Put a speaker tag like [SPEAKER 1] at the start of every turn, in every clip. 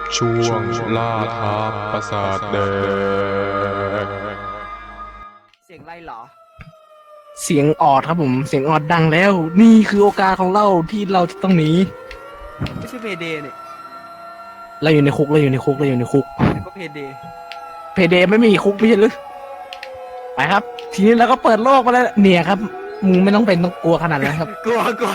[SPEAKER 1] ช่วงล่าท้าปราสาทแดง
[SPEAKER 2] เสียงไรเหรอ
[SPEAKER 3] เสียงออดครับผมเสียงออดดังแล้ว นี่คือโอกาสของเราที่เราจะต้องหนี
[SPEAKER 2] ไม่ใช่เพเดเนี่ย
[SPEAKER 3] เราอยู่ในคุกเราอยู่ในคุกเราอยู่ในคุก
[SPEAKER 2] แต่ก็เพเด
[SPEAKER 3] เพเดไม่มีคุกไม่ใช่หรือไปครับ ทีนี้เราก็เปิดโลกมาแล้วเนี่ยครับมึงไม่ต้องเป็นต้องกลัวขนาดนั้นครับ
[SPEAKER 2] กลัวกลัว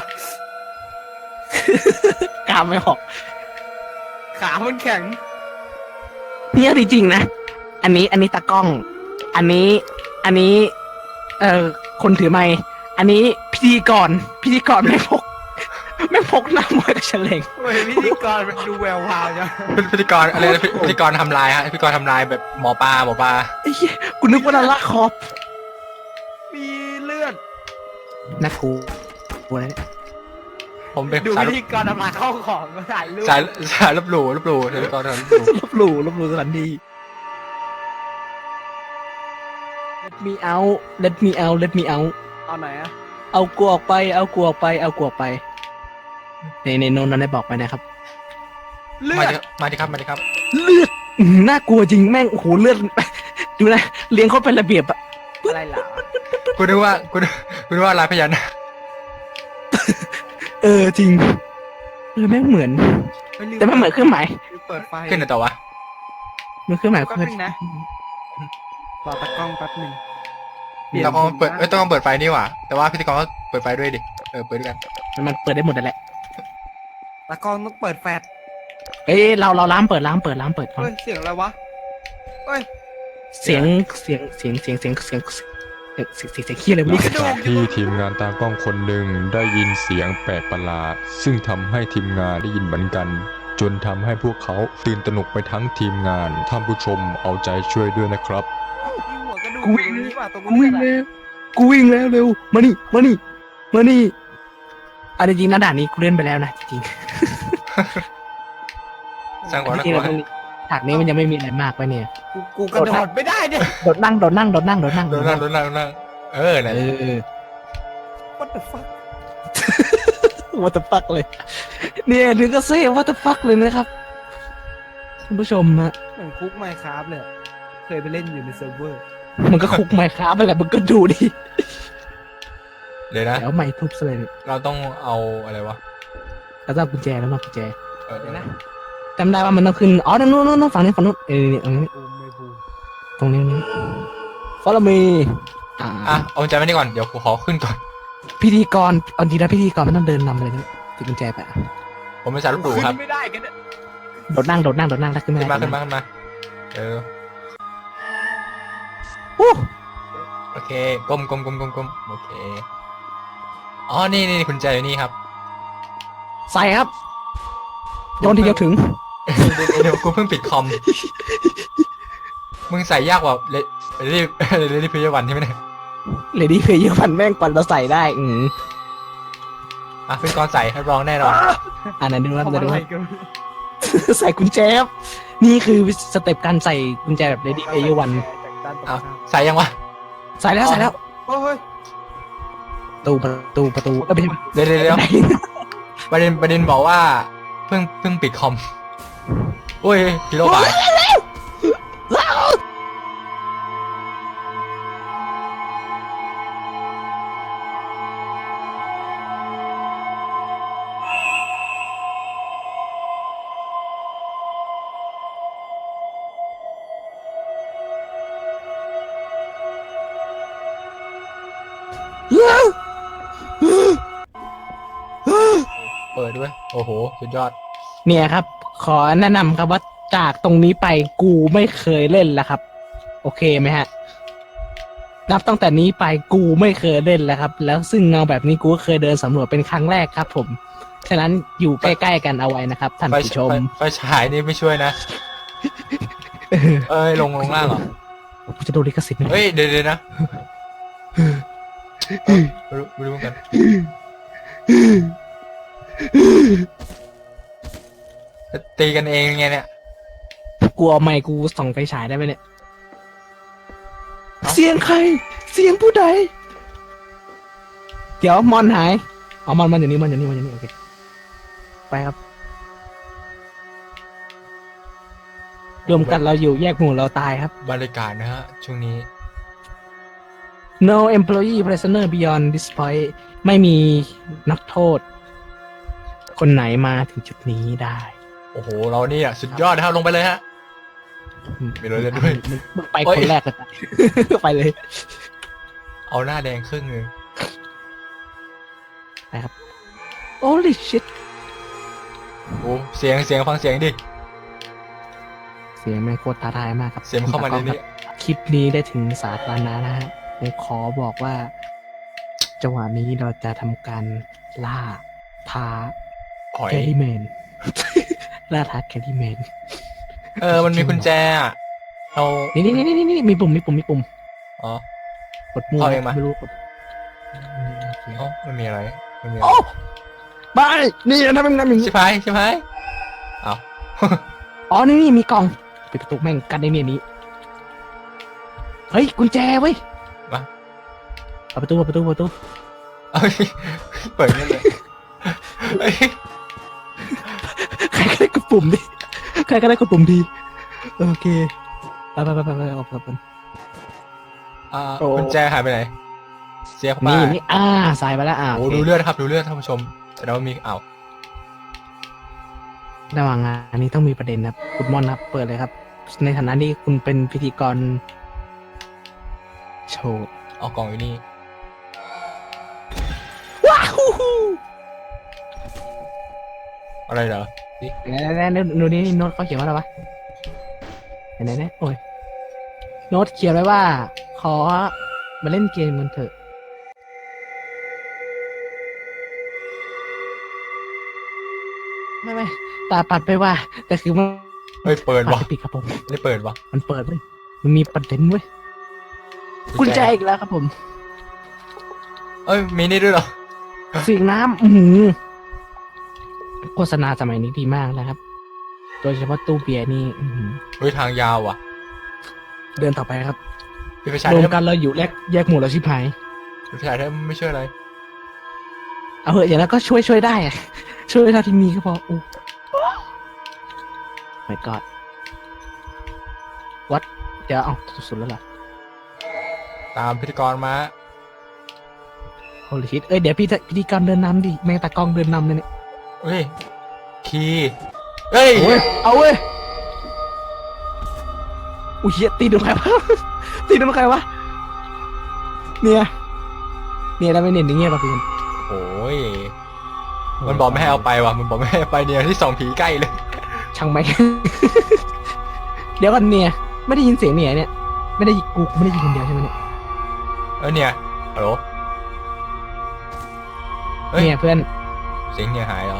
[SPEAKER 3] กล้ามไม่ออก
[SPEAKER 2] ขามันแข็ง
[SPEAKER 3] เนี่ยจริงๆนะอันนี้ตากล้อง อันนี้คนถือไมค์อันนี้พิธีกรไม่พกหน้ามวยกับเฉลง
[SPEAKER 2] เฮ้ยพิธีกรมันดูแวววาวจัง
[SPEAKER 4] พิธีกรอะไรนะพิธีกรทำลายฮะพิธีกรทำลายแบบหมอปลา
[SPEAKER 3] ไอ้เหี้ยกูนึกว่านาราคอป
[SPEAKER 2] มีเลือด
[SPEAKER 3] นะกูอะไรเนี่ย
[SPEAKER 4] ผมเป็น
[SPEAKER 2] ดู
[SPEAKER 4] สาย
[SPEAKER 2] พิธีกรทำลายข้าวของมาถ่ายรูป
[SPEAKER 4] สายลบหลู่พิธีกรทำลายลบหลู่
[SPEAKER 3] ลบหลู่สถานดี let me out let me out let me out
[SPEAKER 2] ตอนไหนอะ
[SPEAKER 3] เอากูออกไปเอากูออกไปในโน้นนั้นได้บอกไปนะครับ
[SPEAKER 2] เลือ
[SPEAKER 4] มา
[SPEAKER 2] ด
[SPEAKER 4] ดิมาดิครับ
[SPEAKER 3] เลือดน่ากลัวจริงแม่งโอ้โหเลือด ดูนะเลี้ยงเขาเป็นระเบียบอะ
[SPEAKER 2] อะไรเหรอ
[SPEAKER 4] กูนึกว่าลายพญานาค
[SPEAKER 3] จริงแม่งเหมือน แต่ไม่เหมือนเครื่องหมาย
[SPEAKER 2] เปิดไฟ
[SPEAKER 4] ขึ้นในตัววะ
[SPEAKER 3] มันเครื่องหมาย
[SPEAKER 2] แป๊บนึงนะรอตากล้องแป๊บนึง
[SPEAKER 4] ต้องเปิดต้องเปิดไฟนี่หว่าแต่ว่าพิธีกรก็เปิดไฟด้วยดิเปิดด้วยกัน
[SPEAKER 3] มันเปิดได้หมดนั่นแหละ
[SPEAKER 2] ตากล้องต้องเปิดแฟลช
[SPEAKER 3] เราล้างเปิดก่อน
[SPEAKER 2] เฮ้ยเสียงอะไรวะเฮ้ย
[SPEAKER 3] เสียงขี้อะไรไม่รู้
[SPEAKER 1] หลังจากที่ทีมงานตากล้องคนหนึ่งได้ยินเสียงแปลกประหลาดซึ่งทำให้ทีมงานได้ยินเหมือนกัน จนทำให้พวกเขาตื่นตระหนกไปทั้งทีมงานท่านผู้ชมเอาใจช่วยด้วยนะครับ
[SPEAKER 2] มีหัวกระดูก
[SPEAKER 3] กูวิ่ง
[SPEAKER 2] อยู่นี่ว่ะตรง
[SPEAKER 3] กูวิ่งแล้วเร็วมานี่อันจริงนะด่านนี้กูเล่นไปแล้วนะจริง
[SPEAKER 4] สร้างความน่า
[SPEAKER 3] จริ
[SPEAKER 4] ก
[SPEAKER 3] ง
[SPEAKER 4] ลัว
[SPEAKER 3] ฉากนี้มันยังไม่มีอะไรมากไปเนี่ย
[SPEAKER 2] กูกระโดดไม่ได้เนี่ย
[SPEAKER 3] โดดนั่ง
[SPEAKER 4] โดนนั่งนั่งนั่งนั่งนั่น
[SPEAKER 2] what the fuck
[SPEAKER 3] what the fuck เลยเนี่ยถึงก็เซ่ what the fuck เลยนะครับคุณผู้ชมฮะ
[SPEAKER 2] เหมือนคุกไมค์ครับเลยเคยไปเล่นอยู่ในเซิร์ฟเวอร์
[SPEAKER 3] มันก็คุกไมค์ครับไปแหละมึงก็ดูดิ
[SPEAKER 4] เดี๋ยวนะ
[SPEAKER 3] แล้วไม่ทุบซะเลยเนี่ย
[SPEAKER 4] เราต้องเอาอะไรวะ
[SPEAKER 3] แล้วก็เอากุญแจแล้วมากุญแจ
[SPEAKER 2] เดี๋ยวนะ
[SPEAKER 3] จำได้ว่ามันต้องขึ้นอ๋อนู่นฝั่งนี้ตรงนี้
[SPEAKER 2] บูมไม่บูม
[SPEAKER 3] ตรงนี้ follow me
[SPEAKER 4] เอาใจไว้นี่ก่อนเดี๋ยวกูขอขึ้นก่อน
[SPEAKER 3] พิธีกรเอาดีนะพิธีกรไม่ต้องเดินนำเลยนะถือกุญแจไป
[SPEAKER 4] ผมเป็นสายลบหลู่ครับ
[SPEAKER 2] ขึ้นไม่ได้กันเนี่ย
[SPEAKER 3] โดดนั่งแล้วขึ้น
[SPEAKER 4] ขึ้น
[SPEAKER 3] มา
[SPEAKER 4] มา
[SPEAKER 3] อู้
[SPEAKER 4] โอเคก้มโอเคอ๋อนี่คุณใจอยู่นี่ครับ
[SPEAKER 3] ใส่ครับโยนทีเดียวถึง
[SPEAKER 4] เดี๋ยวกูเพิ่งปิดคอม มึงใส่ยากกว่าเลดี้เพย์วันใช่ไหมเนี่ย
[SPEAKER 3] เลดี้เพย์เยอะพันแม่งกว่าเราใส่ได้
[SPEAKER 4] พิธีกรใส่รับรองแน่นอน
[SPEAKER 3] อันนั้นดูว่า
[SPEAKER 2] ทำอะไรกัน
[SPEAKER 3] ใส่กุญแจครับนี่คือสเต็ปการใส่กุญแจแบบ Lady Player One
[SPEAKER 2] จากด้านตรง
[SPEAKER 4] อ้าว
[SPEAKER 3] Ah.
[SPEAKER 2] ข้าม
[SPEAKER 4] ใส่ยังวะ
[SPEAKER 3] ใส่แล้ว
[SPEAKER 2] โอ้ย
[SPEAKER 3] ประตูไม่ใช่
[SPEAKER 4] เดี๋ยวประเด็นบอกว่าเพิ่งปิดคอมโอ้ยพิโรบายเปิดด้วยโอ้โหสุดยอด
[SPEAKER 3] เนี่ยครับ ขอแนะนำครับว่าจากตรงนี้ไปกูไม่เคยเล่นแล้วครับ โอเคไหมฮะนับตั้งแต่นี้ไปกูไม่เคยเล่นแล้วครับ แล้วซึ่งเงาแบบนี้กูก็เคยเดินสำรวจเป็นครั้งแรกครับ ผมฉะนั้นอยู่ใกล้ๆกันเอาไว้นะครับท่านผู้ชม
[SPEAKER 4] ไฟฉายนี่ไม่ช่วยนะ ลงล่างเหรอ
[SPEAKER 3] กูจะโดนลิขสิทธิ์ไหม
[SPEAKER 4] เฮ้ยเดี๋ยวนะไม่รู้เหมือนกันตีกันเองไงเนี่ย
[SPEAKER 3] กูเอาไมค์กูส่องไฟฉายได้ไหมเนี่ยเสียงใคร เสียงผู้ใดเดี๋ยวมอนหายเอามอนอยู่นี่โอเคไปครับรวมกันเราอยู่แยกหมู่เราตายครับ
[SPEAKER 4] บรรยากาศนะฮะช่วงนี้
[SPEAKER 3] no employee prisoner beyond this point ไม่มีนักโทษ คนไหนมาถึงจุดนี้ได้
[SPEAKER 4] โอ้โหเราเนี่ยสุดยอดนะครับลงไปเลยฮะ มีรถเล่นด้วย
[SPEAKER 3] มึงไป
[SPEAKER 4] โอ้ย
[SPEAKER 3] คนแรกเลย ไปเลย
[SPEAKER 4] เอาหน้าแดงครึ่งนึง
[SPEAKER 3] ไปครับ holy shit
[SPEAKER 4] โอ้เสียงฟังเสียงดิ
[SPEAKER 3] เสียงแม่งโคตรท้าทายมากครับ
[SPEAKER 4] เสียงเข้ามาในนี้
[SPEAKER 3] คลิปนี้ได้ถึงสาธารณะนะฮะผมขอบอกว่า จังหวะนี้เราจะทำการล่าท้า
[SPEAKER 4] หอย
[SPEAKER 3] แคลรี่แมน ล่าท้าแคลรี่แมน
[SPEAKER 4] มันมีกุญแจอะเรา
[SPEAKER 3] นี่มีปุ่ม
[SPEAKER 4] อ๋อ
[SPEAKER 3] กดมั่ว
[SPEAKER 4] เข้าเองมา
[SPEAKER 3] ไม่รู้กด
[SPEAKER 4] เอ้าไม่มีอะไรไม่มีอะไร
[SPEAKER 3] โอ้บายนี่ทำเป็นน้ำอย่างนี้
[SPEAKER 4] ชิบหายเอ้า
[SPEAKER 3] อ๋อนี่มีกล่องปิดประตูแม่งกันในเนี่ยนี้เฮ้ยกุญแจเว้ย
[SPEAKER 4] มา
[SPEAKER 3] เปิดประตู
[SPEAKER 4] เอ้ยเปิดนี่เลยเอ้ย
[SPEAKER 3] ใครก็ได้กดปุ่มดิใครก็ได้กดปุ่มดีโอเคไปออกไป โอ้
[SPEAKER 4] กุญแจหายไปไหน เสียเข้าไป
[SPEAKER 3] นี่ใส่ไปแล้ว
[SPEAKER 4] โอ้
[SPEAKER 3] โอเค
[SPEAKER 4] ดูเลือดครับดูเลือดท่านผู้ชมแต่ว่ามี
[SPEAKER 3] ระหว่างงานนี้ต้องมีประเด็นครับคุณม่อนครับเปิดเลยครับ ในฐานะที่คุณเป็นพิธีกรโชว์
[SPEAKER 4] เอากล่องอยู่นี่
[SPEAKER 3] ว้าว
[SPEAKER 4] อะไรเหรอดิ
[SPEAKER 3] ดูนี่โน้ตเขาเขียนว่าอะไรวะไหนโอ้ยโน้ตเขียนไว้ว่า ขอมาเล่นเกมกันเถอะไม่ตาปัดไปว่า แต่คือมัน
[SPEAKER 4] เฮ้ยเปิด
[SPEAKER 3] ปั
[SPEAKER 4] วะ
[SPEAKER 3] ดปิดครับผม
[SPEAKER 4] ไม่เปิดวะ
[SPEAKER 3] มันเปิดเว้ยมันมีประเด็นเว้ยกุญแจอีกแล้วครับผม
[SPEAKER 4] เอ้ยมีนี่ด้วยเหรอ
[SPEAKER 3] เสียงน้ำโฆษณาสมัยนี้ดีมากนะครับ โดยเฉพาะตู้เบียร์นี่
[SPEAKER 4] เฮ้ยทางยาวว่ะ
[SPEAKER 3] เดินต่อไปครับ
[SPEAKER 4] พี่ไฟฉาย
[SPEAKER 3] รวม
[SPEAKER 4] ได้
[SPEAKER 3] กันเราอยู่แยกหมู่เราชิบหาย
[SPEAKER 4] พี่ไฟฉายได้ไม่ช่วยอะไร
[SPEAKER 3] เอาเหอะอย่างนั้นก็ช่วยได้อะช่วยเท่าที่มีก็พออู้ไม่กอดวัดเดี๋ยวเอาสุดๆแล้วเหรอ
[SPEAKER 4] ตามพิธีกรมา
[SPEAKER 3] โฮลิชิตเดี๋ยวพิธีกรเดินนำดิแม่งตากล้องเดินนำเลยเนี่ย
[SPEAKER 4] เฮ้ยคีย์เฮ้ย
[SPEAKER 3] โอ้ยเอาเว้ยอุ้ยเหี้ยตีโดนใครวะ ตีโดนใครวะเนี่ยแล้วไม่เน้นอย่างเงี้ยป่ะพี่
[SPEAKER 4] โอ้ยมันบอกไม่ให้เอาไปว่ะมันบอกไม่ให้เอาไปเนี่ยที่สองผีใกล้เลย
[SPEAKER 3] ช่างไหม เดี๋ยวกันเนี่ยไม่ได้ยินเสียงเนี่ยไม่ได้กูไม่ได้ยินคนเดียวใช่ไหมเนี่ย
[SPEAKER 4] เนี่ยฮัลโหลเฮ้ย
[SPEAKER 3] เนี่ยเพื่อน
[SPEAKER 4] เสียงเนี่ยหายแล้ว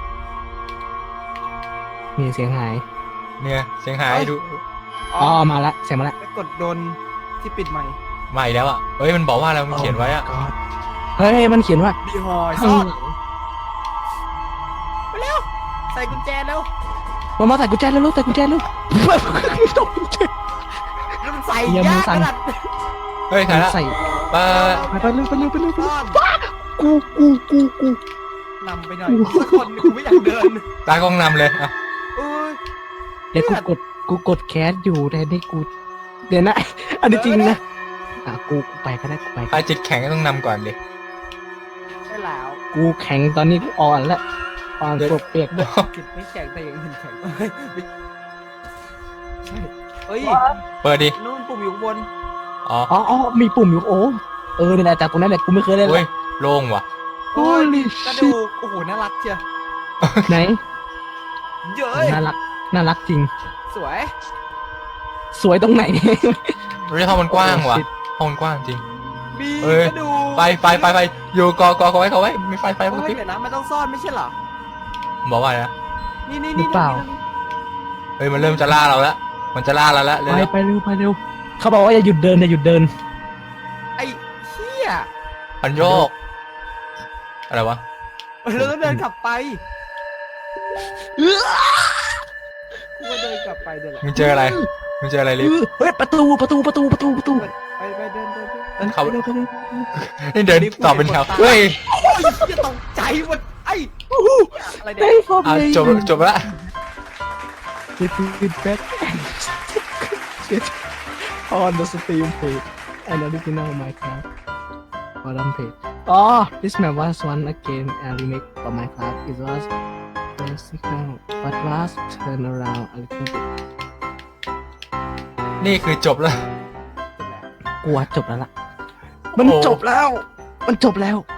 [SPEAKER 3] เนี่ยเสียงหาย
[SPEAKER 4] เนี่ยเสียงหายดู
[SPEAKER 3] อ๋อมาละเสียงมาละ
[SPEAKER 2] ไปกดโดนที่ปิดใหม่
[SPEAKER 4] ใหม่แล้วอ่ะเฮ้ยมันบอกว่าอะไรมันเขียนไว้อ่ะ
[SPEAKER 3] เฮ้ยมันเขียนว่า
[SPEAKER 2] ดีฮอยซ่อนไปเร็วใส่กุญแจแล้ว
[SPEAKER 3] มาใส่กุญแจแล้วลูกใส่กุญแจลูกตกกุญแจ
[SPEAKER 2] แล้วมันใส่
[SPEAKER 3] อย่ามื
[SPEAKER 2] ยา
[SPEAKER 3] อก สั่
[SPEAKER 2] ข
[SPEAKER 3] น
[SPEAKER 2] นาด
[SPEAKER 4] เฮ้ยถ่ายละ
[SPEAKER 3] ใส่
[SPEAKER 4] เออ
[SPEAKER 3] ไปเร็ว
[SPEAKER 2] ซ่อน
[SPEAKER 3] กู
[SPEAKER 2] นำไปหน่อยสักคนกูไม่อยากเดิน
[SPEAKER 4] ตากล้องนำเลยอ่ะ
[SPEAKER 2] เอ้ย
[SPEAKER 3] เดี๋ยวกูกดแคสอยู่แต่นี่กูเดี๋ยวนะอันนี้จริงนะกูไปก็ได้กูไป
[SPEAKER 4] ใครจิตแข็งก็ต้องนำก่อนดิ
[SPEAKER 2] ใช่แล้ว
[SPEAKER 3] กูแข็งตอนนี้กูอ่อนแล้วอ่อนปวดเปียกด้วย
[SPEAKER 2] จิตไม่แข็งแต่ยังเห็นแข็งเฮ้ยไม่ใช่เฮ้ย
[SPEAKER 4] เปิดดิ
[SPEAKER 2] นู่นปุ่มอยู่ข้างบน
[SPEAKER 4] อ๋อ
[SPEAKER 3] อ๋อมีปุ่มอยู่นี่แหละจากตรงนั้นแหละกูไม่เคยเล่นเล
[SPEAKER 4] เฮ้ย
[SPEAKER 3] ย
[SPEAKER 4] โล่งว่ะ
[SPEAKER 3] Holy
[SPEAKER 2] กระ
[SPEAKER 3] shit
[SPEAKER 2] ดูกโอ้โหน่ารักเชียว
[SPEAKER 3] ไหน
[SPEAKER 2] เย้ย
[SPEAKER 3] น่ารักจริง
[SPEAKER 2] สวย
[SPEAKER 3] สวยตรงไหน
[SPEAKER 4] เฮ้ยห้องมันกว้างว่ะห้องมันกว้างจริง
[SPEAKER 2] มี
[SPEAKER 4] เอ้ย
[SPEAKER 2] กระดูก
[SPEAKER 4] ไฟอยู่กอไว้มีไฟ
[SPEAKER 2] เฮ้
[SPEAKER 4] กระพริ
[SPEAKER 2] ย
[SPEAKER 4] บ
[SPEAKER 2] เดี๋ยวนะมันต้องซ่อนไม่ใช่เหรอ
[SPEAKER 4] บอกว่าอะไรนะ
[SPEAKER 2] นี่
[SPEAKER 3] หรือเปล่า
[SPEAKER 4] เฮ้ยมันเริ่มจะล่าเราแล้วมันจะล่าเราแล้วเร็ว
[SPEAKER 3] ไปเร็วเขาบอกว่าอย่าหยุดเดิน
[SPEAKER 2] ไอ้เหี้ย
[SPEAKER 4] ๆพันโยกอะไรวะ
[SPEAKER 2] เราต้องเดินกลับไปกูก็เดินกลับไปเดี๋ยวแหละ
[SPEAKER 4] มึงเจออะไรลิฟต์
[SPEAKER 3] เฮ้ยประตู
[SPEAKER 2] ไปเดิน
[SPEAKER 4] เขานี่เดินต่อเป็นแถวเฮ้ย
[SPEAKER 2] โอ้ยจะตกใจหมดไอ้อะไรเนี่ย
[SPEAKER 3] ได้ฟอร์ม
[SPEAKER 4] อ่ะ
[SPEAKER 3] เลย
[SPEAKER 4] จบละ
[SPEAKER 3] feedback on the Steam page and original Minecraft forum page. Oh, this map was once again a remake for Minecraft. It was classical, but was turned around a little bit.
[SPEAKER 4] นี่คือจบแล้ว
[SPEAKER 3] กูว่าจบแล้วล่ะ มันจบแล้ว มันจบแล้ว